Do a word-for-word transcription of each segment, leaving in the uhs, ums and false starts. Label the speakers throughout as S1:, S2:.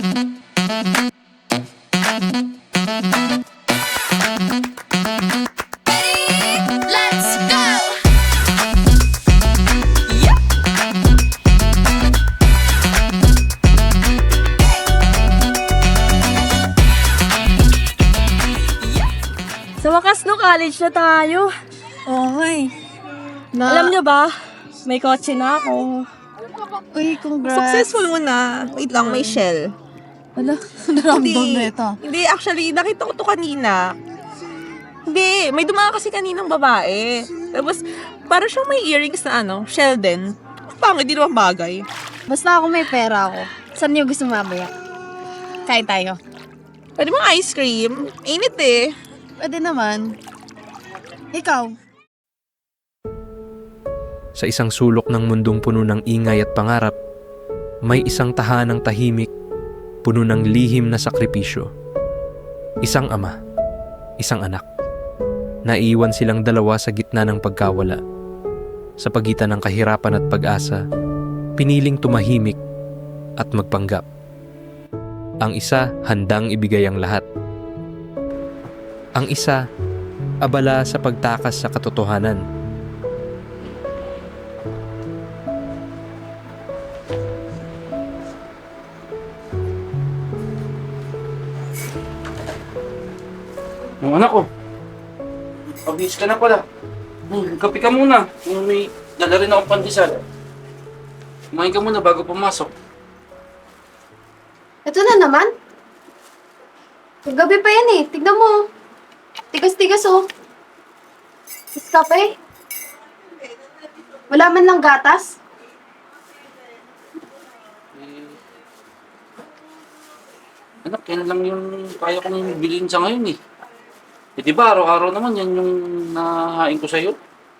S1: Sa wakas, no, college na tayo.
S2: Okay. Na,
S1: Alam nyo ba, may kotse na ako.
S2: Uy, congrats.
S3: Successful mo na. Wait lang, may shell.
S2: Ala, naramdam na ito.
S3: Hindi, actually, nakita ko to kanina. Hindi, may dumaan kasi kaninang babae. Tapos, parang siyang may earrings na ano, shell din. Pangit, di naman bagay.
S2: Basta ako may pera ako. Saan niyo gusto mamaya? Kain tayo.
S3: Pwede mo ice cream? Init eh.
S2: Pwede naman. Ikaw?
S4: Sa isang sulok ng mundong puno ng ingay at pangarap, may isang tahanang tahimik, puno ng lihim na sakripisyo. Isang ama, isang anak. Naiiwan silang dalawa sa gitna ng pagkawala. Sa pagitan ng kahirapan at pag-asa, piniling tumahimik at magpanggap. Ang isa handang ibigay ang lahat. Ang isa, abala sa pagtakas sa katotohanan.
S5: Yung anak ko, pabihis ka na pala. Hmm, kape ka muna. Yung may dala rin akong pandesal. Kumain ka muna bago pumasok.
S6: Ito na naman. Gabi pa yan eh. Tignan mo. Tigas-tigas oh. Iskape. Wala man lang gatas.
S5: Eh, anak, yan lang yung kaya kong bilhin sa ngayon eh. Eh di ba, araw-araw naman yan yung nahain ko sa'yo.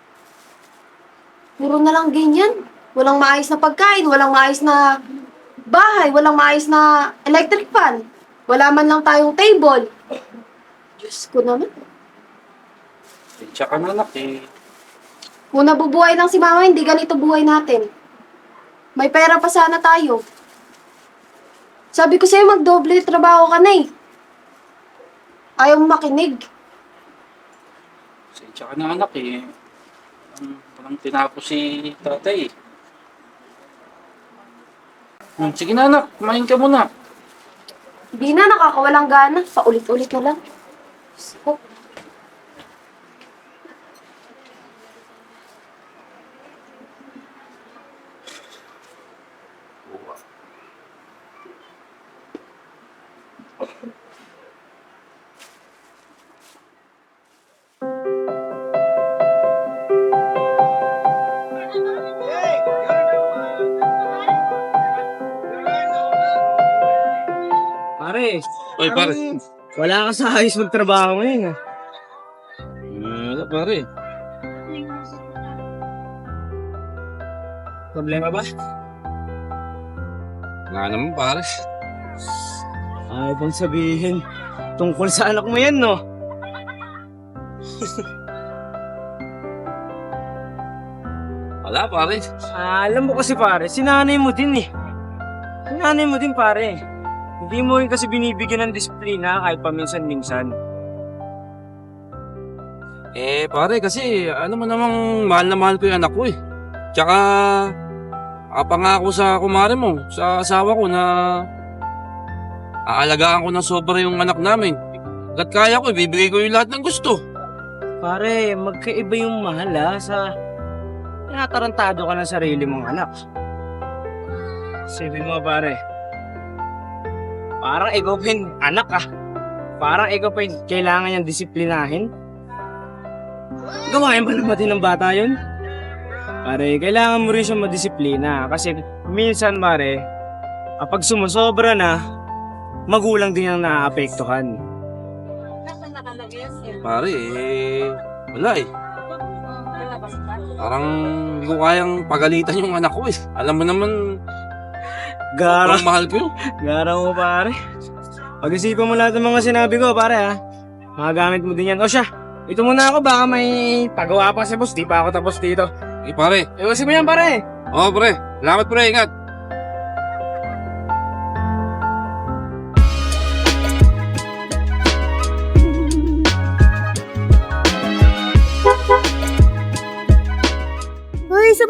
S6: Puro na lang ganyan. Walang maayos na pagkain, walang maayos na bahay, walang maayos na electric fan. Wala man lang tayong table. Diyos ko naman.
S5: Eh, tsaka na anak eh.
S6: Kung nabubuhay lang si mama, hindi ganito buhay natin. May pera pa sana tayo. Sabi ko sa'yo, magdoble trabaho ka na eh. Ayaw mo makinig.
S5: Eh, tsaka na anak eh. Um, Walang tinapos si tatay eh. Hmm, sige na anak, kumain ka muna.
S6: Hindi na, nakakawalang gana. Paulit-ulit na lang. Diyos ko.
S7: Pare,
S5: Oy pare.
S7: wala ka sa ayos magtrabaho ngayon ah.
S5: Wala pare.
S7: Problema ba?
S5: Wala naman pare.
S7: Ay, bang sabihin, tungkol sa anak mo yan, no?
S5: Wala pare.
S7: Ah, alam mo kasi pare, sinanay mo din eh. Sinanay mo din pare. Hindi mo rin kasi binibigyan ng disiplina kahit paminsan-minsan.
S5: Eh pare kasi ano mo namang mahal na mahal ko yung anak ko eh. Tsaka apangako sa kumare mo, sa asawa ko na aalagaan ko ng sobra yung anak namin. Hanggat kaya ko, ibibigay ko yung lahat ng gusto.
S7: Pare, magkaiba yung mahal ah, sa tinatarantado ka ng sarili mong anak. Sabi mo pare, parang ikaw pa yung anak ah. Parang ikaw pa yung kailangan niyang disiplinahin. Gawain ba naman din ng bata yun? Pare, kailangan mo rin siya madisiplina. Kasi minsan pare, kapag sumusobra na, magulang din ang naaapektuhan.
S5: Pare, eh, wala eh. Parang hindi ko kayang pagalitan yung anak ko eh. Alam mo naman,
S7: Gara,
S5: ang mahal ko yun.
S7: gara mo pare. Pag-isipan mo lahat ng mga sinabi ko pare ha. Magagamit mo din yan. O siya, ito muna ako, baka may pagawa pa si boss. Di pa ako tapos dito.
S5: Eh pare,
S7: Iwasin mo yan pare.
S5: oh pre, salamat pre, ingat.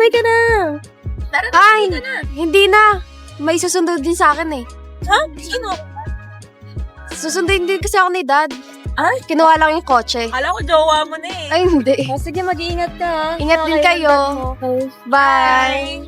S1: sumabay ka na.
S6: Ay, hindi na. May susunod din sa akin eh.
S1: Ha? Sino?
S6: Susundin din kasi ako ni Dad.
S1: Ay?
S6: Kinuha lang yung kotse.
S1: Kala ko jowa mo na eh.
S6: Ay, hindi.
S1: Oh, sige, mag-iingat ka. ha.
S6: Ingat din kayo.
S1: Okay.
S6: Bye!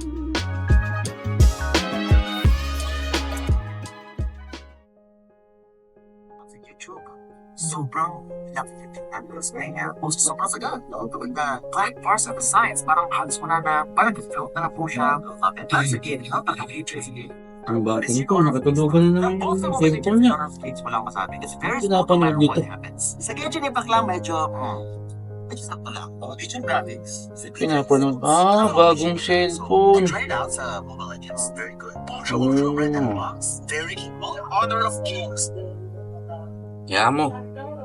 S8: YouTube. Sobrang laki ng technologies ngayon nga. Post sobrang sagad. No? Kapag na kahit parts of the science, parang halos wala na, parang develop na lang po siya. And once again, how the future is again.
S5: Ang bata nito, nakatulugan na ng cellphone niya.
S8: Wala akong masabi. Kasi very
S5: Pinapanood
S8: no matter
S5: dito.
S8: what happens. Sa Genshin Impact lang, medyo, hmm, medyo sakto lang. Oh, Genshin graphics.
S5: Pinapanood. Ah, bagong cellphone.
S8: Try it out sa Mobile Legends. Very good.
S5: Oh.
S8: Red and Box. Very well. Honor of Kings.
S5: Kaya mo.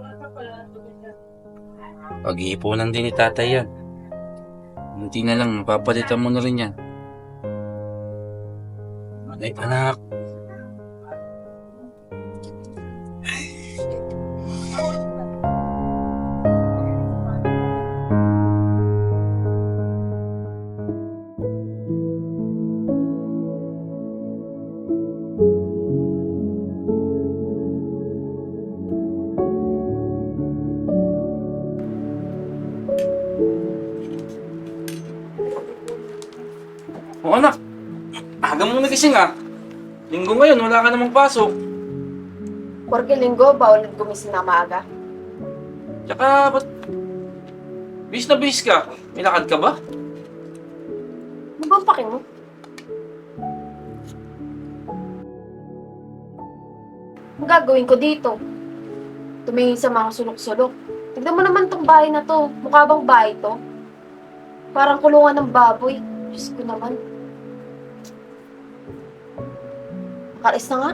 S5: Pag-iipunan din ni tatay yan. Hindi na lang, papalitan mo na rin yan. Ay, anak. O anak, aga mo nagising ah. Linggo ngayon, wala ka namang pasok.
S6: Porque linggo, bawal gumising na maaga.
S5: Tsaka, ba't... Bis na bis ka. May lakad ka ba?
S6: Ano bang pake mo? Ang gagawin ko dito? Tumingin sa mga sulok-sulok. Tignan mo naman tong bahay na to. Mukha bang bahay to? Parang kulungan ng baboy. Diyos ko naman. Makalis na nga.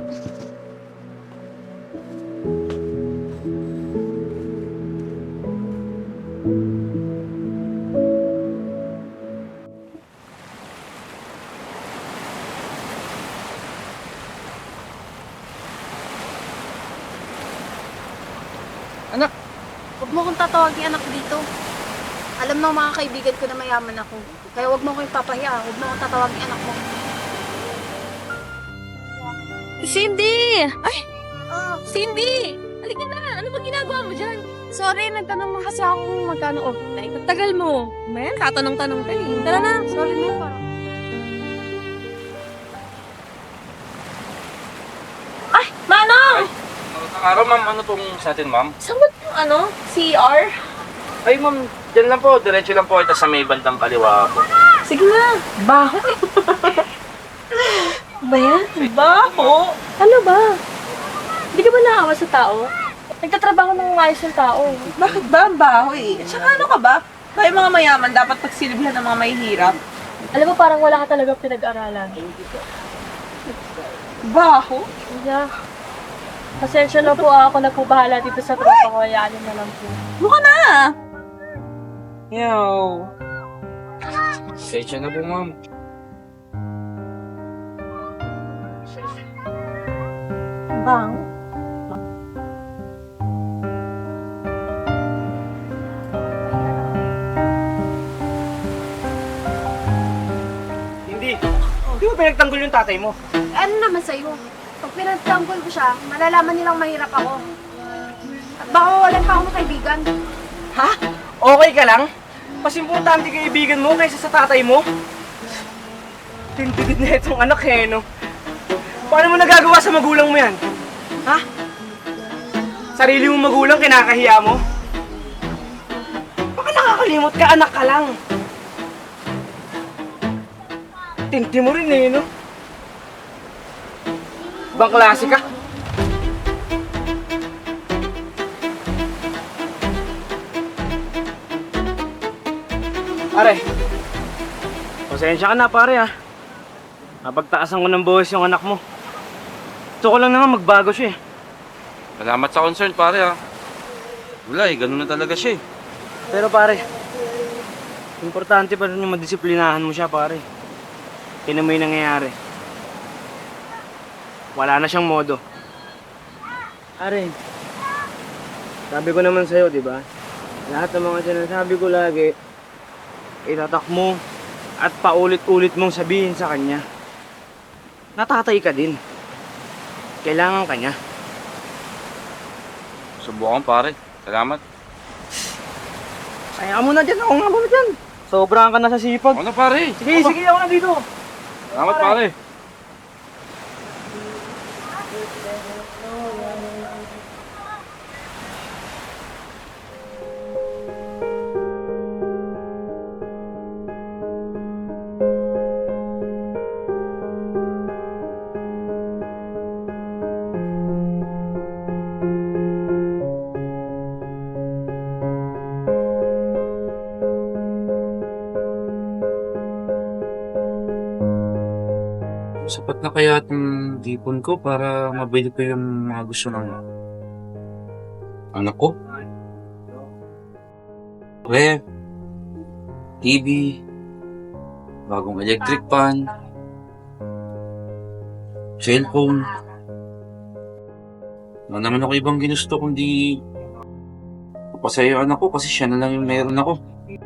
S5: Anak!
S6: Huwag mo kong tatawagin anak dito. Alam ng mga kaibigan ko na mayaman ako. Kaya huwag mo kong ipapahiya. Huwag mo kong tatawagin anak mo.
S1: Cindy! Ay! Cindy! Halika na! Ano ba ginagawa mo dyan?
S6: Sorry, nagtanong na kasi ako kung magkano overtime.
S1: Tagal mo. Mayan, katanong-tanong ka eh. Tara na.
S6: Sorry na parang.
S1: Ay! Manong!
S5: Magandang araw, ma'am. Ano pong sa atin, ma'am?
S1: Saan ba yung ano? C R?
S5: Ay, ma'am. Diyan lang po. Diretso lang po ito sa may bandang kaliwa po.
S1: Sige na. Baho. ba yan? Baho? Ano ba? Hindi ka ba naawa sa tao? Nagtatrabaho ng maayos yung tao.
S3: Bakit ba ang baho eh? At saka ano ka ba? Tayo mga mayaman, dapat pagsilbihan ng mga mahihirap.
S1: Alam mo, parang wala ka talaga pinag-aralan.
S3: Baho?
S1: Yeah. Pasensya na po ako na po bahala dito sa tropa ko. Hayaan niyo na lang po.
S3: Mukha na! Yo.
S5: Pasensya na po, ma'am.
S3: Bang.
S7: Hindi. Di mo pinagtanggol yung tatay mo?
S6: Ano naman sa'yo? Pag pinagtanggol ko siya, malalaman nilang mahirap ako. At baka walang pa akong kaibigan.
S7: Ha? Okay ka lang? Mas importante kaibigan mo kaysa sa tatay mo? Tintigid na itong anak eh, no? Paano mo nagagawa sa magulang mo yan? Ha? Sarili mong magulang, kinakahiya mo? Baka nakakalimot ka, anak ka lang. Tinti mo rin eh, no? Ibang klase ka. Pare, pasensya ka na pare ah. Napagtaasan ko ng buhos yung anak mo. Gusto ko lang naman magbago siya eh.
S5: Salamat sa concern, pare ah. Wala eh, ganun na talaga siya eh.
S7: Pero pare, importante pa rin yung madisiplinahan mo siya pare. Tingnan mo yung nangyayari. Wala na siyang modo. Pare, sabi ko naman sa'yo, di ba? Lahat ng mga sinasabi ko lagi, itatak mo, at paulit-ulit mong sabihin sa kanya, natatay ka din. Kailangan ka niya.
S5: Subukan pare. Salamat.
S7: Kaya mo na dyan, ako nga muna dyan. Sobrang ka na sa sipag.
S5: Ano pare?
S7: Sige, sige, ako na dito.
S5: Salamat pare. Sapat na kaya itong tipon ko para mabili ko yung mga gusto ng anak ko? Ref, T V, bagong electric fan, cellphone. Wala naman ako ibang ginusto kundi papasaya yung anak ko kasi siya na lang yung meron ako.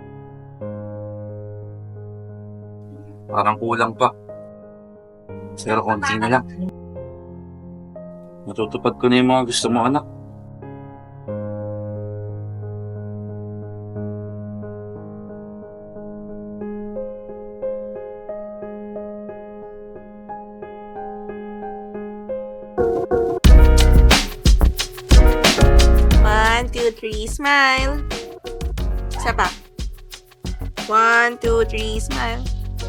S5: Parang kulang pa. Pero konti na lang. Matutupad ko na yung mga gusto mo, anak.
S3: One, two, three, smile. Isa pa. One, two, three, smile.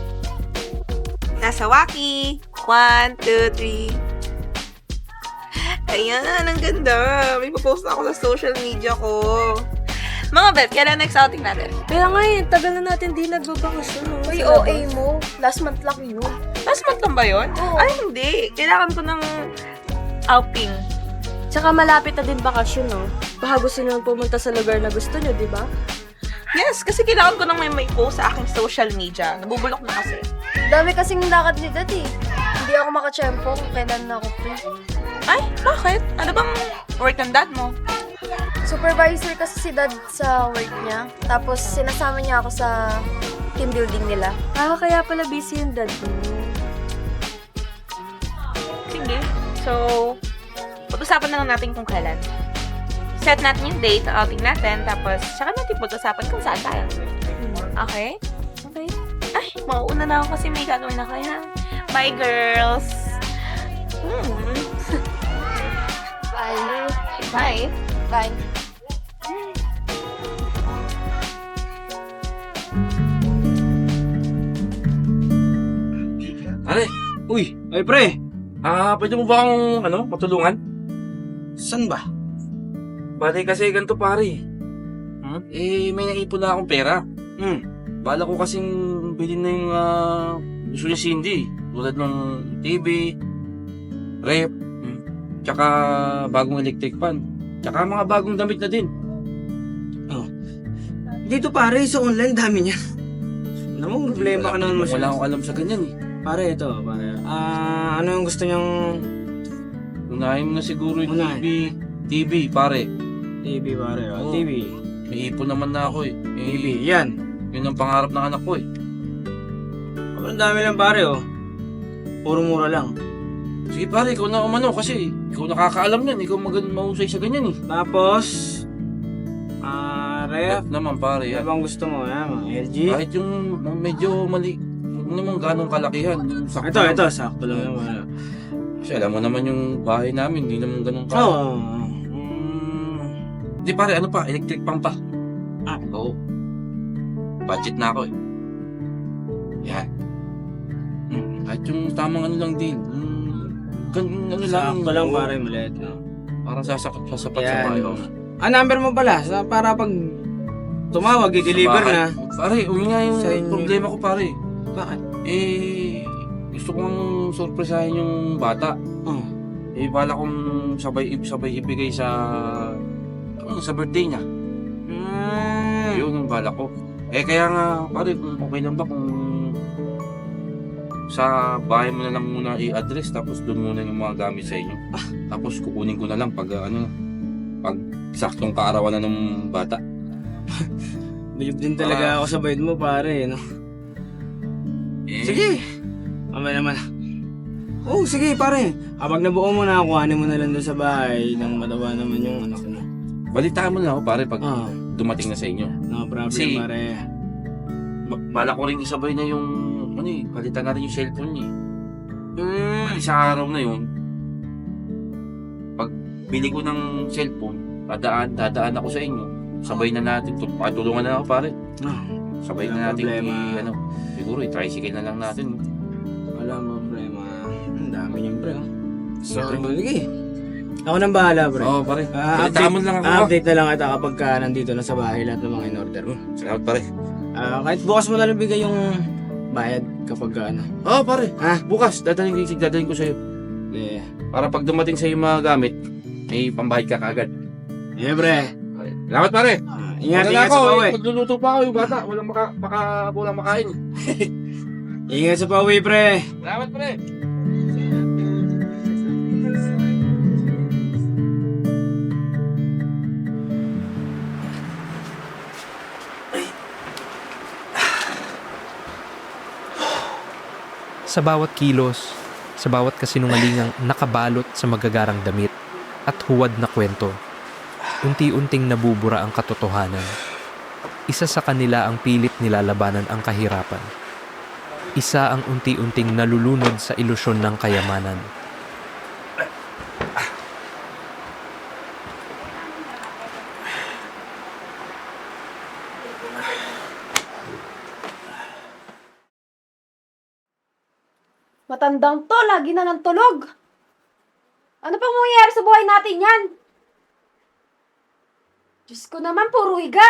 S3: Nasa Waki. One, two, three. Ayan, ang ganda. May post ako sa social media ko. Mga Beb, kailan next outing natin?
S1: Kaya nga eh, tagal na natin di nagbabakasyon. No?
S6: Uy,
S1: Sa
S6: O A
S1: labas.
S6: mo. Last month lang yun.
S3: Last month lang ba yun?
S6: Oo.
S3: Ay, hindi. Kailangan ko ng outing.
S1: Tsaka malapit na din bakasyon, no? Baka gusto nyo pumunta sa lugar na gusto nyo, di ba?
S3: Yes, kasi kailangan ko nang may may post sa aking social media. Nabubulok na kasi.
S6: Dami kasing lakad ni Dad eh. Hindi ako makachempo kung kailan na ako free.
S3: Ay, bakit? Ano bang work ng dad mo?
S6: Supervisor kasi si Dad sa work niya. Tapos sinasama niya ako sa team building nila.
S1: Ah, kaya pala busy yung dad mo.
S3: Sige. So, pag-usapan na lang natin kung kailan. Set natin yung date, outing natin, tapos saka natin pag-usapan kung saan tayo. Okay? Okay. Ay, mauuna na ako kasi may gagawin na kaya. Bye, girls! Hmm.
S6: Bye.
S3: Bye!
S6: Bye.
S5: Pare,
S7: Uy, ay pre,
S5: ah, pwede mo ba akong, ano, matulungan?
S7: saan ba?
S5: Bale kasi ganito pare. Hmm? Eh, may naipon na akong pera.
S7: Hmm,
S5: Bala ko kasing bilhin na yung ah, gusto ni Cindy. Tulad ng T V, rep, hmm, tsaka bagong electric fan. Tsaka mga bagong damit na din.
S7: dito pare, sa online dami niya. Alam mo, problema ka naman
S5: Wala
S7: masyado.
S5: akong alam sa ganyan eh.
S7: Pare, ito, pare. Ah, ano yung gusto niyang
S5: Unahin mo na siguro yung
S7: Unahin.
S5: T V, T V pare.
S7: T V, pare? Oh,
S5: Oo.
S7: T V.
S5: May ipon naman na ako eh.
S7: T V,
S5: eh
S7: yan.
S5: yun ang pangarap ng anak ko eh.
S7: Ang dami lang pare, oh. Puro mura lang.
S5: Sige pare, ikaw na umano kasi ikaw nakakaalam yan. Ikaw mag- mahusay sa ganyan eh.
S7: Tapos, ah, ref.
S5: Ref naman pare
S7: Ano
S5: yan.
S7: bang gusto mo, ha? Mga L G?
S5: Kahit yung medyo mali, huwag naman ganong kalakihan. Yung sakto
S7: Ito,
S5: lang.
S7: ito, sakto lang yung ano.
S5: Kasi alam mo naman yung bahay namin, hindi naman ganun ka.
S7: Oo. Oh, mm,
S5: Hindi pare, ano pa, electric pump pa.
S7: Ah.
S5: Oo. Budget na ako eh. Yan. Hmm, kahit yung tamang ano lang din. Hmm, gan, ano lang.
S7: sakto lang
S5: oo.
S7: pare, maliit. No?
S5: Parang sasapat, sasapat sa
S7: Yan.
S5: bahay. oo.
S7: Ah, number mo pala, sa, para pag tumawag, i-deliver
S5: Sa
S7: na.
S5: bahay. Pare, yun nga yung
S7: Sa inyo.
S5: problema ko pare.
S7: Bakit?
S5: Eh, gusto kong surpresahin yung bata.
S7: Oh.
S5: Eh, bala kong sabay, sabay ibigay sa, ano, sa birthday niya.
S7: Mm.
S5: Yun yung bala ko. Eh, kaya nga, pare, kung okay lang ba kung sa bahay mo na lang muna i-address tapos doon muna yung mga gamit sa inyo. Tapos kukunin ko na lang pag, uh, ano, pag saktong kaarawan na ng bata.
S7: Bilib din talaga
S5: Ah.
S7: ako sa bayad mo pare, no?
S5: Eh,
S7: Sige. Mamaya naman. Oo, sige pare. Kapag nabuo mo na, kuhanin mo na lang doon sa bahay nang matawa naman yung anak mo.
S5: balitaan mo na ako pare pag
S7: Ah,
S5: dumating na sa inyo.
S7: no problem
S5: Si-
S7: pare.
S5: Ba- Bala ko rin isabay na yung, ano eh, palitan na rin yung cellphone niya.
S7: Hmm.
S5: Eh, sa araw na yun, pag bili ko ng cellphone, dadaan, dadaan ako sa inyo. Sabay na natin, tul- patulungan na ako pare.
S7: Ah,
S5: Sabay
S7: Walang
S5: na natin,
S7: problema.
S5: i- ano, siguro i-tricycle na lang natin.
S7: wala mo problema. Ang dami niyang pre. Oh. So, sige. Ako nang bahala pre.
S5: Oo pare,
S7: Ah,
S5: balitaan mo na lang ako. ha?
S7: update na lang kita kapag ka nandito na sa bahay lahat ng mga in-order mo.
S5: Salamat pare.
S7: Ah, kahit bukas mo na lang bigay yung bayad kapag ka ano.
S5: Oo pare,
S7: Ha?
S5: bukas, dadaling, dadaling ko sa'yo.
S7: Yeah.
S5: Para pag dumating sa'yo yung mga gamit, may pambahid ka kagad.
S7: Yeah, pre.
S5: Salamat pare.
S7: Ah, ingat,
S5: Wala
S7: ingat
S5: ako,
S7: sa pauwi.
S5: eh, magluluto pa ako yung bata. Walang maka, maka, walang makain.
S7: Ingat sa pauwi, pre.
S5: Salamat pre.
S4: Sa bawat kilos, sa bawat kasinungalingang nakabalot sa magagarang damit at huwad na kwento, unti-unting nabubura ang katotohanan. Isa sa kanila ang pilit nilalabanan ang kahirapan. Isa ang unti-unting nalulunod sa ilusyon ng kayamanan.
S6: Matandang to, lagi na ng tulog. Ano pang mangyayari sa buhay natin yan? Diyos ko naman, puro higa.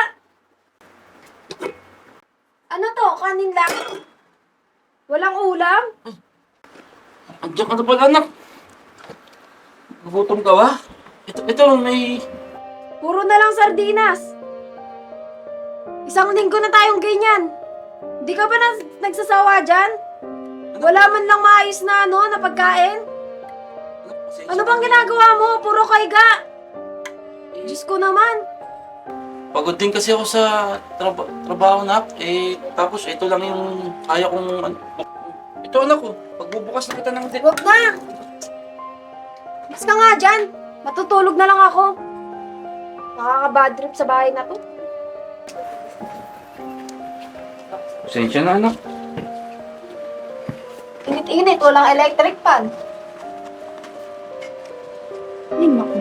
S6: Ano to, kanin lang? Walang ulam?
S5: Andiyan ka na pala anak. Nagutom ka ba? Ito, ito may...
S6: Puro na lang sardinas. Isang linggo na tayong ganyan. Di ka ba na nagsasawa dyan? Wala man lang maayos na ano, na pagkain? Ano bang ginagawa mo? Puro kaiga. Diyos ko naman.
S5: Pagod din kasi ako sa traba- trabaho na. Eh, tapos ito lang yung kaya kong... an- Ito anak ko, pagbubukas na kita ng din.
S6: Huwag na. Mas ka nga dyan. Matutulog na lang ako. Nakaka-bad trip sa bahay na to.
S5: Pasensya na anak.
S6: Init-init, walang electric fan. Ay, naku.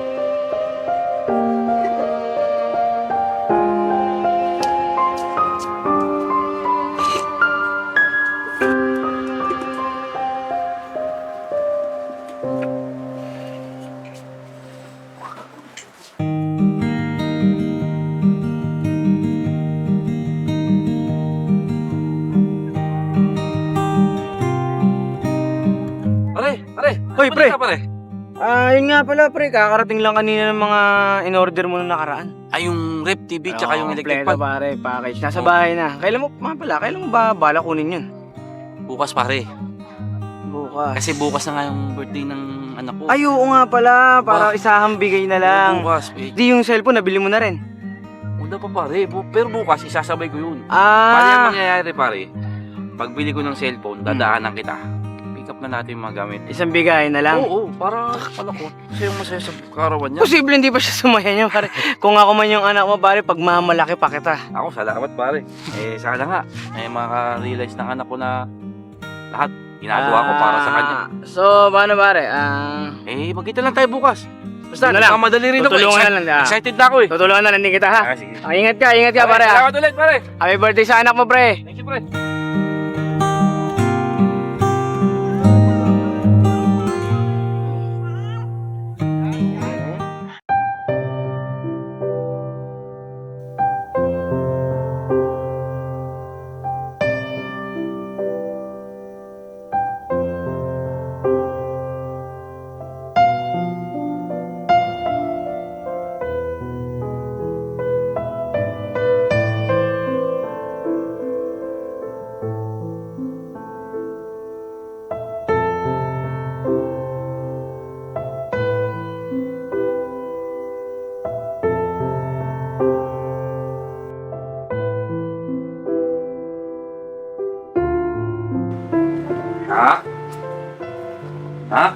S5: Pare, pare.
S7: Hoy,
S5: ano
S7: pre.
S5: ka, pare?
S7: Ah, yun nga pala, pre. Kakarating lang kanina ng mga in-order mo na nakaraan.
S5: Ay, yung rep T V tsaka
S7: Oo,
S5: yung electric
S7: kompleto,
S5: fan.
S7: pare. Package. Nasa
S5: Oo.
S7: bahay na. Kailan mo, mga pala, kailan mo ba bala kunin yun?
S5: Bukas pare.
S7: Bukas.
S5: Kasi bukas na nga yung birthday ng anak ko.
S7: Ay, oo nga pala. Para
S5: Ba-
S7: isahang bigay na lang.
S5: Bukas. Eh,
S7: Di yung cellphone, nabili mo na rin.
S5: wala pa pare. Bu- Pero bukas, isasabay ko yun. Pare, ang
S7: Ah,
S5: mangyayari pare, pagbili ko ng cellphone, dadaanan kita. Pick up na natin yung mga gamit.
S7: isang bigay na lang.
S5: Oo, para pala ko. Kasi yung masaya sa karawan niya.
S7: Posible hindi pa siya sumaya niya, pare. Kung ako man yung anak mo, pare, pag mamalaki pa kita.
S5: Ako, salamat pare. Eh, sana nga. Eh, maka-realize ng anak ko na lahat ginagawa ko para sa kanya.
S7: Ah, So, paano, pare? Ah,
S5: Eh, magkita lang tayo bukas. Basta,
S7: Ano lang,
S5: nagmamadali rin ako.
S7: tutulungan
S5: Excited,
S7: na lang. ah.
S5: excited na ako eh.
S7: Tutulungan na lang din kita, ha?
S5: Ah, sige.
S7: Ah, ingat ka, ingat ka, pare, ha?
S5: Salamat ulit, pare.
S7: Happy birthday sa anak mo, pre.
S5: Thank you, pare.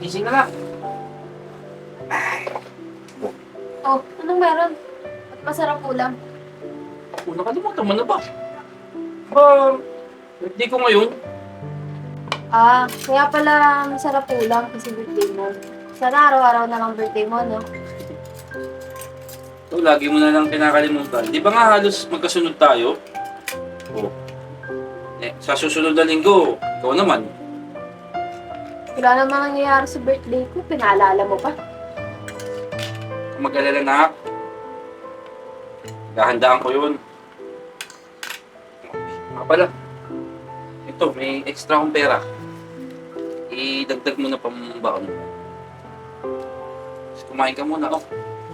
S5: gising na lang.
S6: Oh, anong meron? At masarap ulam.
S5: Oh, nakalimutan mo na ba? Ba, birthday ko ngayon.
S6: Ah, kaya pala masarap ulam kasi birthday mo. Sana araw-araw na lang birthday mo, no?
S5: So, lagi mo na lang kinakalimutan. Di ba nga halos magkasunod tayo? Oh. Eh, sa susunod na linggo, ikaw naman.
S6: Wala namang nangyayari sa birthday ko. Pinaalala mo pa.
S5: Kung mag-alala na, gahandaan ko yun. Mga pala, ito, may extra akong pera. Idagdag mo na pambaon. Kumain ka muna, oh.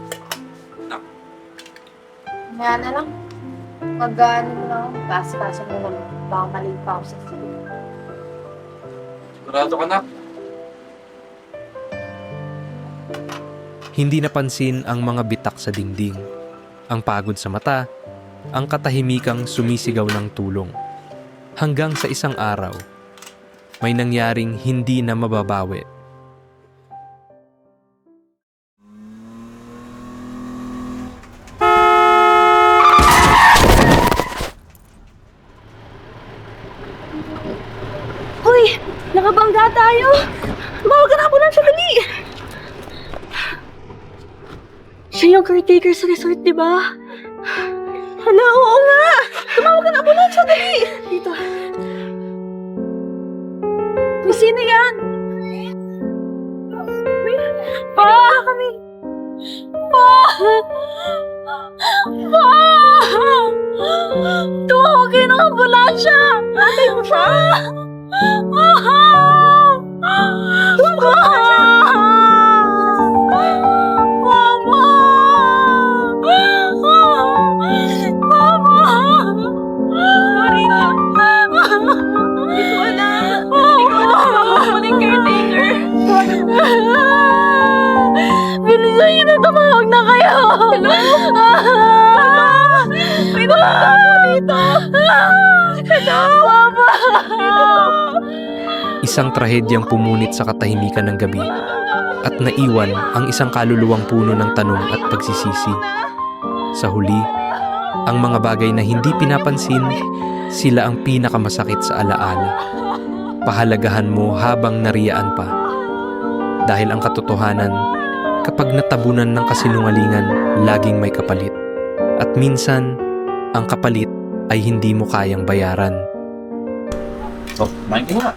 S6: Maya na lang. Pag-ano mo lang, pass-pass mo lang. Baka maling pa ako sa sila.
S5: Sigurado ka na.
S4: Hindi napansin ang mga bitak sa dingding, ang pagod sa mata, ang katahimikang sumisigaw ng tulong. Hanggang sa isang araw, may nangyaring hindi na mababawi.
S1: Hoy! Nakabangga tayo! Tumawag ka na ako lang siya, dali! Siya yung caretaker sa resort, di ba? Hala, oo nga! Tumawag ka na ako lang siya, dali! Dito. May sino yan? Pa! Kami! Pa! Pa! Tumawag kayo ng ambulansya! Atay mo siya! Bilisan niyo na, tumawag na kayo! Hello? May tumawag po dito! Hello? Mama!
S4: Isang trahedyang pumunit sa katahimikan ng gabi at naiwan ang isang kaluluwang puno ng tanong at pagsisisi. Sa huli, ang mga bagay na hindi pinapansin, sila ang pinakamasakit sa alaala. Pahalagahan mo habang nariyaan pa. Dahil ang katotohanan, kapag natabunan ng kasinungalingan, laging may kapalit. At minsan, ang kapalit ay hindi mo kayang bayaran.
S5: Oh, kumain ka nga.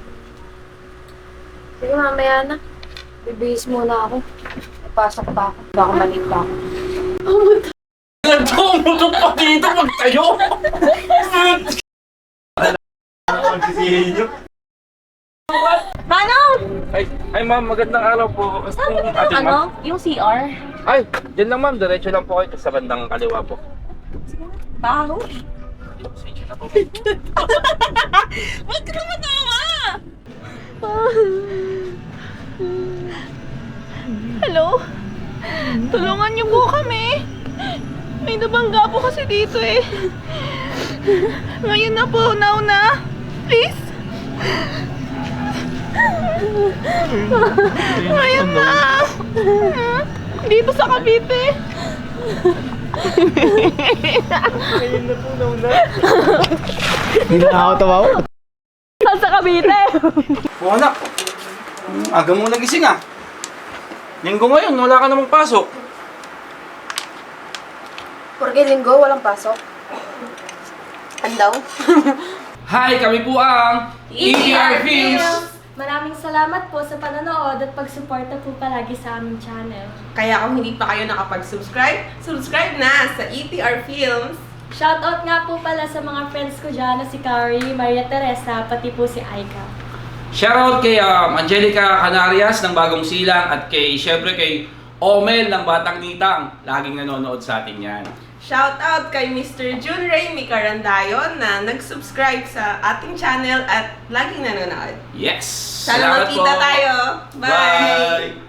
S6: Sige, mamaya na. Bibihis muna ako. Papasok pa ako. Baka maling pa ako.
S5: Nagtumutok pa dito, magtayo!
S1: Manong!
S5: Ay, ay ma'am, magandang araw po.
S1: Saan
S5: Yung
S1: ba
S5: ating
S1: ano?
S5: ma'am.
S1: Yung C R?
S5: Ay, dyan lang ma'am, diretso lang po kayo sa bandang kaliwa po.
S1: Baho?
S5: Sige na po.
S1: Huwag ka naman tawa! Hello? Tulungan niyo po kami. May nabangga po kasi dito eh. Ngayon na po, now na. Please. Ngayon na. Dito sa Cavite.
S7: Ngayon na po, nauna. Hindi na ako tawaw.
S1: Saan sa Cavite?
S5: Oh anak, aga mo nagising ah. Linggo ngayon, wala ka namang pasok.
S6: Porque linggo, walang pasok. Andaw?
S5: Hi, kami po ang E T R Films!
S1: Maraming salamat po sa panonood at pagsuporta po palagi sa aming channel.
S3: Kaya kung hindi pa kayo nakapag-subscribe, subscribe na sa E T R Films.
S1: Shoutout nga po pala sa mga friends ko dyan na si Carrie, Maria Teresa, pati po si Aika.
S5: Shoutout kay um, Angelica Canarias ng Bagong Silang at kay, syempre kay Omel ng Batang Nitang. Laging nanonood sa atin yan.
S3: Shoutout kay Mister Jun Ray Micarandayon na nag-subscribe sa ating channel at laging nanonood.
S5: Yes!
S3: Sana
S5: Salamat
S3: magkita
S5: po.
S3: tayo. Bye!
S5: Bye!